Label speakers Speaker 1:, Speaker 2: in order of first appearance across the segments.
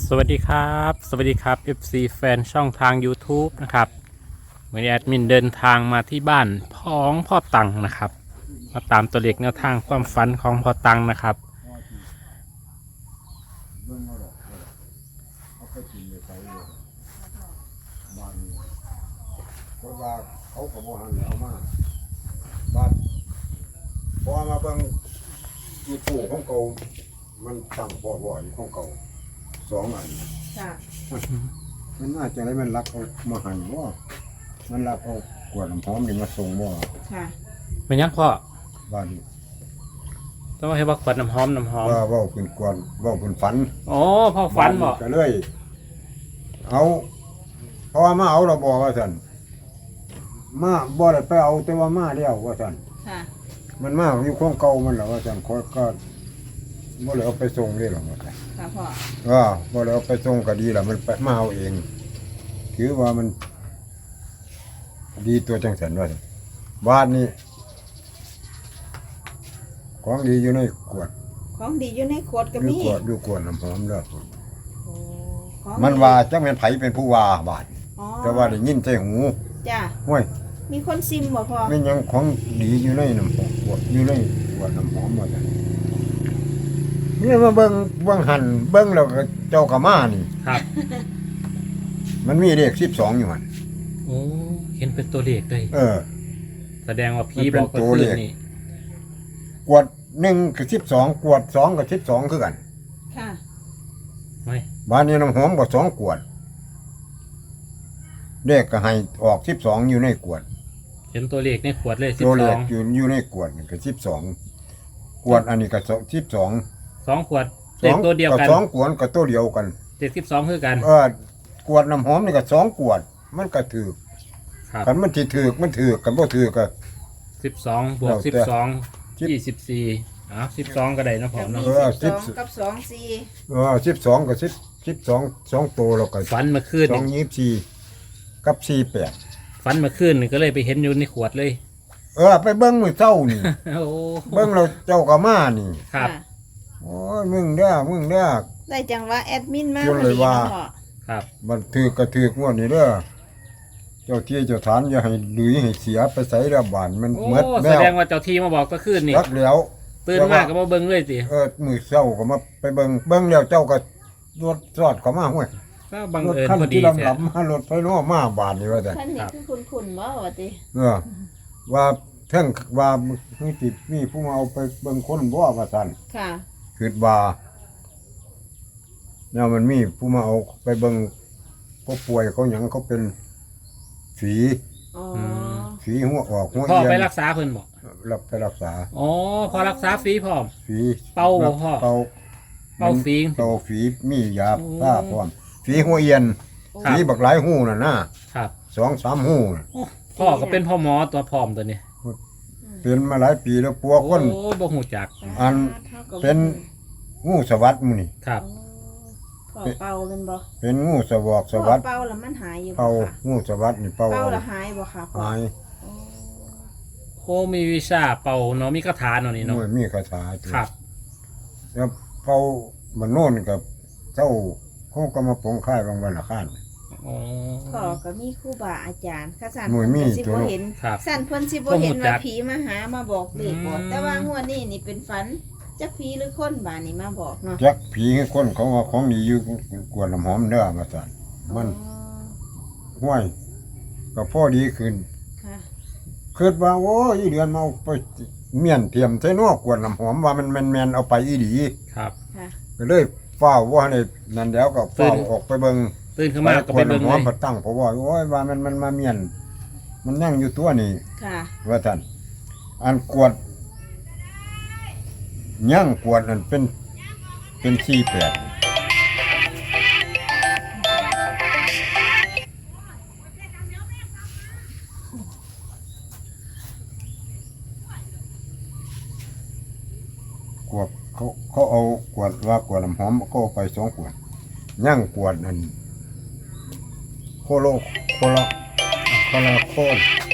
Speaker 1: สวัสดีครับสวัสดีครับ FC แฟนช่องทาง YouTube นะครับวันนี้แอดมินเดินทางมาที่บ้านของพ่อตังนะครับมาตามตัวเลขแนวทางความฝันของพ่อตังนะครับ
Speaker 2: เบิ่งเอาดอกเอาไปกินไปใส่เลยบ้านนี้เพราะว่าเขาก็บ่หันแล้วมาบ้านพอมาเบิ่งมีผู้ของเก่ามันตั้งบ่อยของเก่าสองอัน
Speaker 3: ค่ะ
Speaker 2: มันน่าจะได้มันรักเอามาหันบ่มันรักเอากวดน้ำหอมนี่มาส่งบ่
Speaker 3: ค่ะ
Speaker 1: เป็นยังพ่อ
Speaker 2: บ้านนี้
Speaker 1: ต้องให้บักขวดน้ำหอม
Speaker 2: ว่าเว้าเป็นกวนเว้าเป็นฝัน
Speaker 1: โอ้พ่อฝันบอก
Speaker 2: ก็เลยเอาเพราะว่ามาเอาเราบอกว่าสันมาบ่ได้ไปเอาแต่ว่ามาแล้วว่าสัน
Speaker 3: ค่ะ
Speaker 2: มันมาอยู่ของเก่ามันแหละว่าสันคอยก็บ่ได้เอาไปส่งเลยหรอกว่าซั่น
Speaker 3: ค่ะพ่อ
Speaker 2: บ่ได้เอาไปส่งก็ดีละมันไปมาเอาเองถือว่ามันดีตัวจังสันว่าซั่นบ้านนี้ของดีอยู่ในขวด
Speaker 3: ของดีอยู่ในขวดก็
Speaker 2: อยู่
Speaker 3: มี
Speaker 2: ขวดอยู่ขวดน้ำหอมเด้อ
Speaker 3: โอ้ของ
Speaker 2: มันว่าจักแม่นไผเป็นผู้ว่าบาด
Speaker 3: อ๋อ
Speaker 2: แต่ว่าได้ยินใส่หู
Speaker 3: จ้า
Speaker 2: ห้วย
Speaker 3: มีคนซิมบ่พ่อ
Speaker 2: ไม่ยังของดีอยู่ในน้ำหอมขวดอยู่ในขวดน้ำหอมหมดเลยนี่มาเบิ่งหันเบิ่งแล้วก็เจ้ากะมานี่
Speaker 1: ครับ
Speaker 2: มันมีเลข12อยู่หั่น
Speaker 1: โอ้เห็นเป็นตัวเลขเลยแสดงว่าผีบอกก็คือนี่
Speaker 2: ขวด1กับ12ขวด2กับ12คือกัน
Speaker 3: ค่ะ
Speaker 1: ไม่
Speaker 2: บ้านนี้น้ำหอมก็2ขวดเลขก็ให้ออก12อยู่ในขวด
Speaker 1: เห็นตัวเลขในขวดเลย
Speaker 2: ตัวเลข
Speaker 1: 12
Speaker 2: อยู่ในขวดนี่ก็12ขวดอันนี้ก็12
Speaker 1: 2ขวดเลขตัวเดียวกัน
Speaker 2: สองขวดก็ตัวเดียวกัน
Speaker 1: เลข12คือกัน
Speaker 2: ขวดน้ำหอมนี่ก็2ขวดมันก็ถือ
Speaker 1: ครับ
Speaker 2: กันมันสิถือมันถือกันบ่ถือก็
Speaker 1: 12บวก
Speaker 2: แล้วแต่
Speaker 1: 12 2412ก็ได้นะผ
Speaker 3: ก็
Speaker 1: ม
Speaker 3: มี
Speaker 1: เนาะ
Speaker 3: 12กับ24
Speaker 2: 12ก็12 2ตัวแล้วก็
Speaker 1: ฝันเมื่อคืนนี่
Speaker 2: 224กับ48
Speaker 1: ฝันเมื่อคืนนี่ก็เลยไปเห็นอยู่ในขวดเลย
Speaker 2: ไปเบิ่งมื้อเช้านี่
Speaker 1: โอ้
Speaker 2: เบิ่งแล้วเจ้าก็มานี่
Speaker 1: ครับ
Speaker 3: ค่ะ
Speaker 2: โอ้ยมึงเด้อ
Speaker 3: ได้จังว่าแอดมินมา
Speaker 2: ชวนเลยว่า
Speaker 3: พอดีนะพ่อ
Speaker 1: ครับ
Speaker 2: มันถือกระถือกงวดนี้เด้อเจ้าที่เจ้าฐานอย่าให้หลุยให้เสียไปใส่ระบานมัน
Speaker 1: โอ้
Speaker 2: หมด
Speaker 1: แส
Speaker 2: แล้ว
Speaker 1: ดงว่าเจ้าที่มาบอกก็คืนนี่
Speaker 2: รักแล้ว
Speaker 1: ตื่นมากก็มาเบิ่งเลยสิ
Speaker 2: มื้อเช้าก็มาไปเบิ่งแล้วเจ้าก็รถจอดเข้ามาห้วย
Speaker 1: ก็บัง
Speaker 2: รถ
Speaker 1: เอิญ
Speaker 2: คัน
Speaker 1: พอดี
Speaker 2: ที่
Speaker 1: แท้
Speaker 2: ลำมารถไฟน้อมาบานนี่ว่าแต่น
Speaker 3: ท่านนี่คือคุณบ่ว่าติ
Speaker 2: ว่าเท่งว่ามีติดมีผู้มาเอาไปเบิ่งคนบ่ว่าซั่น
Speaker 3: ค่ะ
Speaker 2: คิดว่าเนี่ยมันมีผู้มาเอาไปเบิ่งผู้ป่วยเขาหยังเขาเป็นฝี
Speaker 3: อ๋อ
Speaker 2: ฝีหัวออกหัว
Speaker 1: พ่อ
Speaker 2: เอีย
Speaker 1: ไป
Speaker 2: น
Speaker 1: รักษาเพิ่นบอก
Speaker 2: รับไปรักษา
Speaker 1: อ๋อพอรักษาฟรีพร้อม
Speaker 2: ฝี
Speaker 1: เป่าบ่พ่อ
Speaker 2: เป่า
Speaker 1: เป่าฟรี
Speaker 2: เป่าฝีมียา
Speaker 1: โอ้
Speaker 2: ผ้าพร้อมฝีหัวเอียน
Speaker 1: ครับ
Speaker 2: ฝีบักหลายหูน่ะนะครับ 2-3หูน่ะ
Speaker 1: โอ้พ่อก็เป็นพ่อหมอตัวพร้อมตัวนี้
Speaker 2: เป็นมาหลายปีแล้วปัวคน
Speaker 1: โอ้บ่ฮู้จัก
Speaker 2: อัน เป็นงูสวัสดหมู่นี่
Speaker 1: ครับ
Speaker 3: พ่อเป่าเป็นบ่
Speaker 2: เป็นงูสวอกส
Speaker 3: พ่อ
Speaker 2: วัสด
Speaker 3: เป่าแล้วมันหายอยู่บ่
Speaker 2: เป่า
Speaker 3: ค่ะ
Speaker 2: งูสวัสดนี่เป่า
Speaker 3: เป่า
Speaker 2: เอา
Speaker 3: แล้วหายบ่ค่ะพ่อ
Speaker 2: หาย
Speaker 3: อ๋อ
Speaker 1: โอ้มีวิชาเป่าเนาะมีคาถาเนาะนี่เนาะ
Speaker 2: โอ้ยมีคาถาตัว
Speaker 1: ครับ
Speaker 2: แล้วเป่ามันโน่นกับเจ้าเขาก็มาปงค่ายบางวันละข้าน
Speaker 1: อ๋อ
Speaker 3: พ่อก็มีครูบาอาจารย์ข้าสั่น
Speaker 2: หน่วยมี
Speaker 3: เพิ่นสิ
Speaker 2: ตัว
Speaker 3: บ่
Speaker 2: เนาะ
Speaker 3: เห็น
Speaker 1: ครับ
Speaker 3: สั่นเพิ่นสิบ่เห็น
Speaker 1: บ่รู้จั
Speaker 3: ว่าก ผีมาหามาบอกเลขบ่
Speaker 1: อืม
Speaker 3: แต่ว่างวดนี้นี่เป็นฝันจักผีหรือคนบาดนี้มาบอกเนาะ
Speaker 2: จักผีให้คนเขาว่าของดีอยู่กวนน้ำหอมเด้อมาสั่นมัน
Speaker 3: อ๋อ
Speaker 2: ห้วยก็พอดีขึ้น
Speaker 3: ค่ะ
Speaker 2: คิดว่าโอ้ยอีเดือนมาเอาไปเมียนเทียมใส่นอกกวนน้ำหอมว่ามันแมนเอาไปอีดี
Speaker 1: ครับ
Speaker 3: ค่ะ
Speaker 2: ก็เลยเฝ้าว่าในนั่นแล้วก็เฝ้า
Speaker 1: ตื่น
Speaker 2: ออกไปเบิ่ง
Speaker 1: ตื่นขึ้นมาก็ไปเบิ่ง
Speaker 2: ห
Speaker 1: เล
Speaker 2: อม
Speaker 1: ย
Speaker 2: มาตั้งเพราะว่าโอ้ยว่ามันมาเมียน มันนั่งอยู่ตัวนี่
Speaker 3: ค่ะ
Speaker 2: ว่าท่านอันกวดย่างกวดอันเป็น48กวดเขาเอากวดว่ากวดน้ำหอมก็เอาไป2 ขวดย่างกวดนั่นโคโลโคละโคละโคน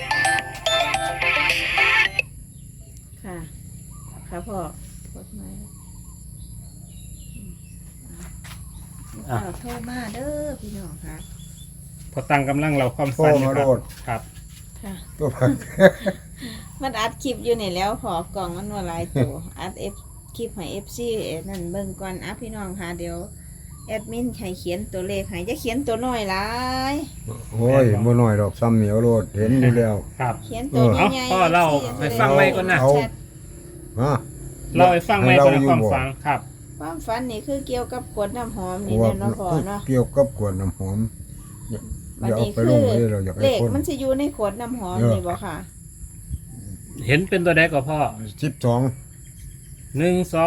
Speaker 3: ค่ะค่ะพ่อกดไม้
Speaker 1: อ่ะ
Speaker 3: เอาโทรมาเด้อพี่น้องค่ะ
Speaker 1: พอตั้งกำลังเราความ
Speaker 2: โทร
Speaker 1: ฝันอยู่
Speaker 2: มา
Speaker 1: ครั
Speaker 2: โล
Speaker 1: บ
Speaker 2: ด
Speaker 1: ครับ
Speaker 3: ค่ะ
Speaker 2: ตัวพัก
Speaker 3: มันอัดคลิปอยู่นี่แล้วขอกล่องมันว่าหลายตัวอัดคลิปให้ FC นั่นเบิ่งก่อนอ่ะพี่น้องค่ะเดี๋ยวแอดมินให้เขียนตัวเลขให้จะเขียนตัวน้อยหลาย
Speaker 2: โอ้ยบ่น้อยดอกซ้ำเหนียวโลดเห็นอยู่แล้ว
Speaker 1: ครับ
Speaker 3: เขียนตัว
Speaker 1: เอ้า
Speaker 3: ใหญ่ๆ
Speaker 1: พ่อเล่า
Speaker 3: FC
Speaker 1: ให้ฟังไว้ก่อนนะ
Speaker 2: เอา ฮะ
Speaker 1: เราให้ฟังไหมก่อนนะความ
Speaker 2: ให้
Speaker 1: ฝันครับ
Speaker 3: ความฝันนี่คือเกี่ยวกับขวดน้ำหอมนี่
Speaker 2: ว่า
Speaker 3: แน่เนาะพ่อเนาะ
Speaker 2: เกี่ยวกับกวนน้ำหอมอ
Speaker 3: วัน
Speaker 2: ย่าเอา
Speaker 3: นี้
Speaker 2: ไป
Speaker 3: คื
Speaker 2: ล
Speaker 3: อง
Speaker 2: เลยเราอยาก
Speaker 3: เล
Speaker 2: ให้
Speaker 3: ข
Speaker 2: คน
Speaker 3: มันจะอยู่ในขวดน้ำหอมนี่บ่ค่ะ
Speaker 1: เห็นเป็นตัวใดก็พ่อ
Speaker 2: 12
Speaker 1: 1 2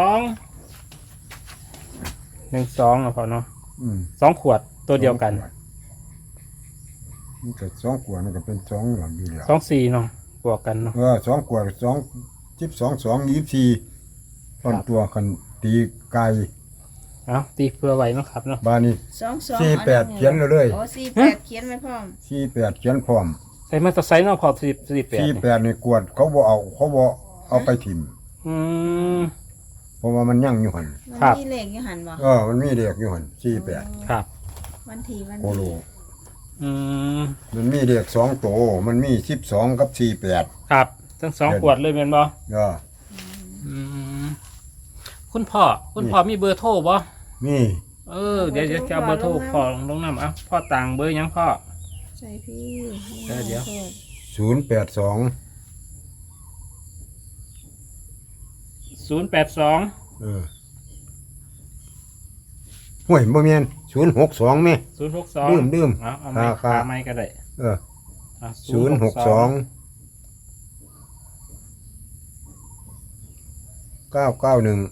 Speaker 1: นะพ่อเนาะ
Speaker 2: อืม
Speaker 1: 2 ขวดตัวเดียวกัน
Speaker 2: มันก็2ขวดมันก็เป็น2หลังอยู่แล้ว
Speaker 1: 2 4เนาะบวกกันเนาะ
Speaker 2: 2ขวด2 12 2 24ตอนตัวคันตีไก่
Speaker 1: เอาตีเพื่อไว้เนาะครับเนาะ
Speaker 2: บ้านนี้
Speaker 3: 22
Speaker 2: 48เขียนเลย
Speaker 3: โอ้48เขียนไว้พร้อม
Speaker 2: 48เขียนพร้อม
Speaker 1: ใส่มาตอร์ไซค์เนาะพอ48
Speaker 2: 48นี่กวดเขาบ่เอาไปถิ่ม
Speaker 1: อืม
Speaker 2: เพราะว่ามันยั่งอยู่หั่น
Speaker 3: มัน
Speaker 1: ครับ
Speaker 3: มีเลขอยู่หันบ่
Speaker 2: มันมีเด็กอยู่หั่น48
Speaker 1: ครับ
Speaker 3: วันที่วัน
Speaker 2: โคโล
Speaker 1: อืม
Speaker 2: มันมีเด็ก2ตัวมันมี12กับ48
Speaker 1: ครับทั้ง2 ขวดเลยแม่นบ่ อืมคุณพ่อมีเบอร์โทรบ่
Speaker 2: มี
Speaker 1: เดี๋ยวจะเอาเบอร์โทรพ่อลงน้ำเอ้าพ่อต่างเบอร์หยังพ่อ
Speaker 3: ใช่พี่
Speaker 1: เดี๋ยว
Speaker 2: 082
Speaker 1: 082
Speaker 2: ห่วยบ่แม่น062แม่
Speaker 1: 062
Speaker 2: ดื่ม
Speaker 1: เอาไม้
Speaker 2: ครั
Speaker 1: ขา
Speaker 2: บ
Speaker 1: ไม้ก็ได้
Speaker 2: 062 991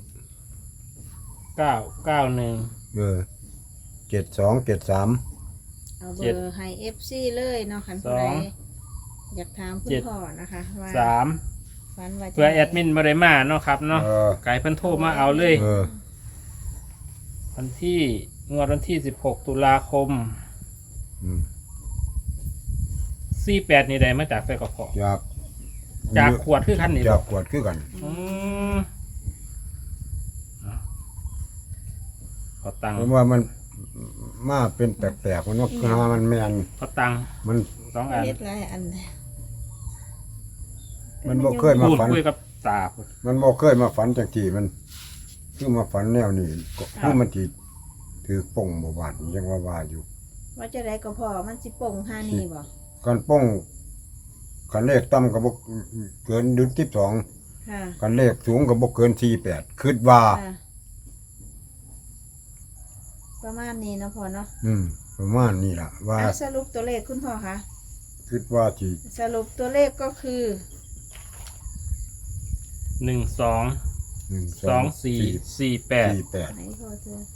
Speaker 1: 991
Speaker 2: 7273
Speaker 3: เอาเบอร์ให้ FC เลยเนาะคันผู้ใดอยากถามคุณพ่อนะคะว่า
Speaker 1: 3
Speaker 3: ฝันว่าจะ
Speaker 1: เพื่อแอดมินบ่ได้มาเนาะครับเนาะไก่เพิ่นโทรมาเอาเลย วันที่วันที่16 ตุลาคม 48นี่ได้มาจากไสกพอ จากขวดคือคันนี้
Speaker 2: จากขวดคือกัน
Speaker 1: อืมขอตังค์
Speaker 2: เพราะว่ามันมาเป็นแปลกๆมันว่าหามันแม่น
Speaker 1: ขอตังค์
Speaker 2: มัน
Speaker 1: 2 อัน
Speaker 3: เล็ดหลายอัน
Speaker 2: มันบ่เคยมา
Speaker 1: พูด
Speaker 2: ฝัน
Speaker 1: คุยกับตาพูด
Speaker 2: มันบ่เคยมาฝันจังที่มันคือมาฝันแนวนี้ก็คือมันสิถือป่งบ่บาดยังว่าอยู่
Speaker 3: ว่าจะได้ก็พอมันสิป่งห้านี่บ่
Speaker 2: กันป่งกันเลขต่ำก็บ่เกินดุล12
Speaker 3: ค่ะ
Speaker 2: กันเลขสูงก็บ่เกิน48คิดว่า
Speaker 3: ค่ะประมาณนี้เนาะพ่อเนาะ
Speaker 2: ประมาณนี้ล่ะว่า
Speaker 3: เอาสรุปตัวเลขคุณพ่อคะ
Speaker 2: คิดว่าสิ
Speaker 3: สรุปตัวเลขก็คือ
Speaker 1: 1 2
Speaker 2: 1
Speaker 1: 2 4 4 8
Speaker 2: 48
Speaker 3: ไหนพ่อเธอ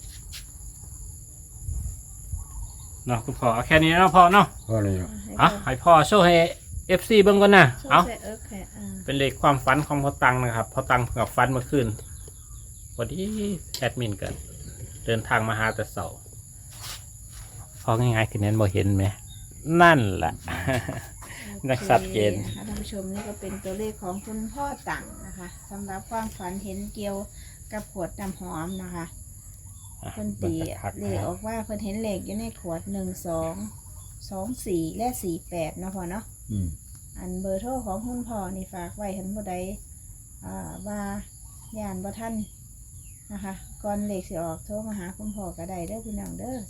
Speaker 1: เนาะคุณพ่อเอาแค่นี้เนาะพ่อเนาะ
Speaker 2: เพราะนี่
Speaker 1: ให้พ่อโชว์ให้ FC เบิ่งก่อนนะ
Speaker 3: ช่วย
Speaker 1: เอา
Speaker 3: ใส่แค่
Speaker 1: เป็นเลขความฝันของพ่อตังนะครับพ่อตังเพิ่งกับฝันเมื่อคืนวันนี้แอดมินกันเดินทางมาหาแต่เสาร์พอง่ายๆคือนั้นบ่เห็นไหมนั่นแหละ นักสัตว์เกณฑ์
Speaker 3: ท่านผู้ชมนี่ก็เป็นตัวเลขของคุณพ่อตังนะคะสำหรับความฝันเห็นเกี่ยวกับขวดน้ำหอมนะคะเพิ่นตีเลขออกว่าเพิ่นเห็นเลขอยู่ในขวด12 24 และ 48เนาะพ่อเนาะ อันเบอร์โทรของคุณพ่อนี่ฝากไว้เห็นบ่ได้ว่าย่านบ่ทันนะคะก่อนเลขสิออกโทรมาหาคุณพ่อก็ได้เด้อพี่น้องเด้อ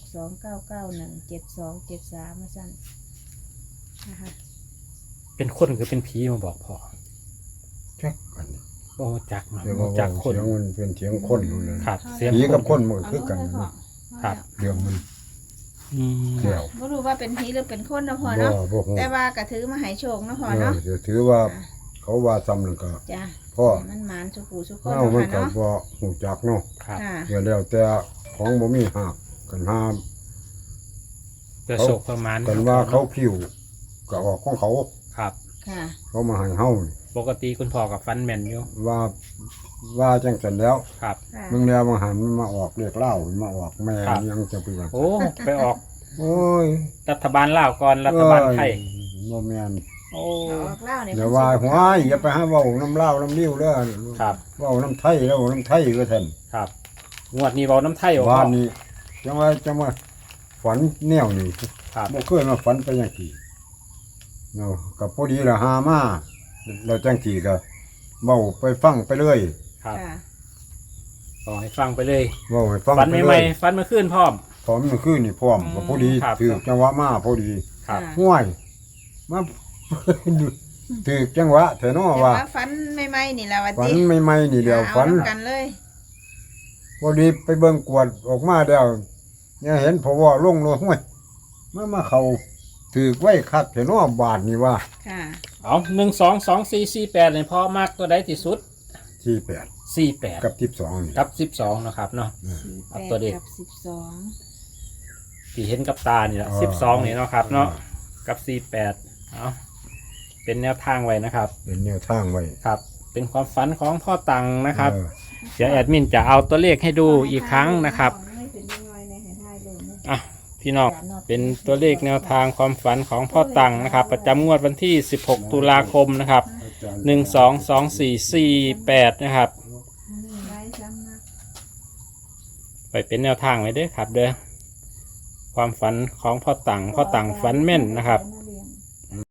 Speaker 3: 0629917273มาสั่นนะคะ
Speaker 1: เป็นคนคือเป็นผีมาบอกพ่อ
Speaker 2: จักกัน
Speaker 1: โอ้จักเนาะ
Speaker 2: เดี๋ยวว่า
Speaker 1: จักคน
Speaker 2: เสียงมันเป็นเสียงคนนู่นเลย
Speaker 1: ครับเสียง
Speaker 2: ผีกับ
Speaker 1: ค
Speaker 2: คน นมันก็คือกัน
Speaker 3: เอาลงเลยพ่อ
Speaker 1: ครับ
Speaker 2: เรื่องมัน
Speaker 1: อืม
Speaker 2: เดี่ยว
Speaker 3: บ่รู้ว่าเป็นผีหรือเป็นคนนะพ่อ
Speaker 2: บ่
Speaker 3: เนาะ
Speaker 2: บ่ฮู้
Speaker 3: แต่ว่าก็ถือมาให้โชคนะพ่อเนาะ
Speaker 2: เดี๋ยวถือว่าเขาว่าซ้ำนั่นก็
Speaker 3: จ้ะ
Speaker 2: พ่อ
Speaker 3: มันหมานสุกูสุกคน
Speaker 2: เฮา
Speaker 3: นะ
Speaker 2: มัน
Speaker 3: คะ
Speaker 2: ก็
Speaker 3: เนาะ
Speaker 2: บ่ฮู้จักเนาะ
Speaker 1: ครับ
Speaker 3: ค่ะ
Speaker 2: เดี๋ยวแล้วแต่ของบ่มีหักกันห้าม
Speaker 1: เพื่อโชคประมาณ
Speaker 2: กันว่าเขาคิวก็ออกของเขา
Speaker 1: ครับ
Speaker 3: ค่ะ
Speaker 2: เขามาให้เฮานี่
Speaker 1: ปกติคุณพ่อกับฟันแมนอยู่
Speaker 2: ว่าจังซั่นแล้ว
Speaker 1: ครับ
Speaker 3: ค่ะ
Speaker 2: มึงแล้วมันหันมันมาออกเรียกเหล้ามันมาออกแม่
Speaker 1: ครับ
Speaker 2: ยังจะไปว่า
Speaker 1: โอ้ไปออก
Speaker 2: โอ้ย
Speaker 1: รัฐบาลลาวก่อนรัฐบาลไทย
Speaker 2: บ่แม่น
Speaker 1: โอ้
Speaker 3: เอาออกเล่าเนี่ย
Speaker 2: เดี๋ยวว่าหัวายอย่าไปหาเว้าน้ำเหล้าน้ำนิ้วเด้อ
Speaker 1: ครับ
Speaker 2: เว้าน้ำไทยแล้วน้ำไทยก็ท่าน
Speaker 1: ครับงวดนี้เบาน้ำไทยออก
Speaker 2: บ้านนี้จังว่าฝันแนวนี้
Speaker 1: ครับ
Speaker 2: บ่เคยมาฝันไปจังซี่เนาะก็พอดีละหามาแล้วจังซี่ก็เว้าไปฟังไปเรื่อย
Speaker 1: ครับ
Speaker 3: ค่ะ
Speaker 1: ขอให้ฟังไปเลย
Speaker 2: เว้าให้ฟัง
Speaker 1: ฟัน
Speaker 2: ไป
Speaker 1: ให
Speaker 2: เรื่
Speaker 1: ม่
Speaker 2: อย
Speaker 1: ๆฟันเมื่อคืนพร้อม
Speaker 2: พร้อมมันคือนี่พร้อมก็พอดี
Speaker 1: ครับ
Speaker 2: ถือจังหวะมาพอดี
Speaker 1: ครับ
Speaker 3: ค่ะ
Speaker 2: ห่วยมา ถือจังหวะแท้เนาะ
Speaker 3: แต่
Speaker 2: ว่า
Speaker 3: ว่าฝันใหม่ๆนี่แหละวัน
Speaker 2: ฝัน
Speaker 3: ที่
Speaker 2: ใหม่ๆนี่เดียว
Speaker 3: เอา
Speaker 2: ฝัน
Speaker 3: น้ำกันเลย
Speaker 2: พอดีไปเบิ่งกวดออกมาแล้วเนี่ยเห็นพอว่าลงเลยห้วยมาเขาถือไว้คักแท้เนาะบาทนี่ว่า
Speaker 3: ค่ะ
Speaker 1: เอา1 2 2 4 4 8เลยพ่อมากตัวใดที่สุด
Speaker 2: ที่8
Speaker 1: 48
Speaker 2: กับ12นี่
Speaker 1: กับ12นะครับเนาะ ครับตัวเด็ก
Speaker 3: กับ12
Speaker 1: ที่เห็นกับตานี่แหละ12นี่เนาะครับเนาะกับ48เอาเป็นแนวทางไว้นะครับ
Speaker 2: เป็นแนวทางไว้
Speaker 1: ครับ เป็นความฝันของพ่อตังนะครับ
Speaker 2: เออ
Speaker 1: เดี๋ยวแอดมินจะเอาตัวเลขให้ดูอีกครั้งนะครับ
Speaker 3: ไม่เป็นยังไงในให้ทายเลยนะ
Speaker 1: อ่ะพี่น้องเป็นตัวเลขแนวทางความฝันของพ่อตังนะครับ ประจำงวดวันที่ 16 ตุลาคมนะครับ
Speaker 2: อาจารย์
Speaker 1: 122448นะครับ
Speaker 3: ได้ซ้ำนะ
Speaker 1: ไปเป็นแนวทางไว้เด้อครับ เด้อความฝันของพ่อตังฝันแม่นนะครับ
Speaker 3: นั่น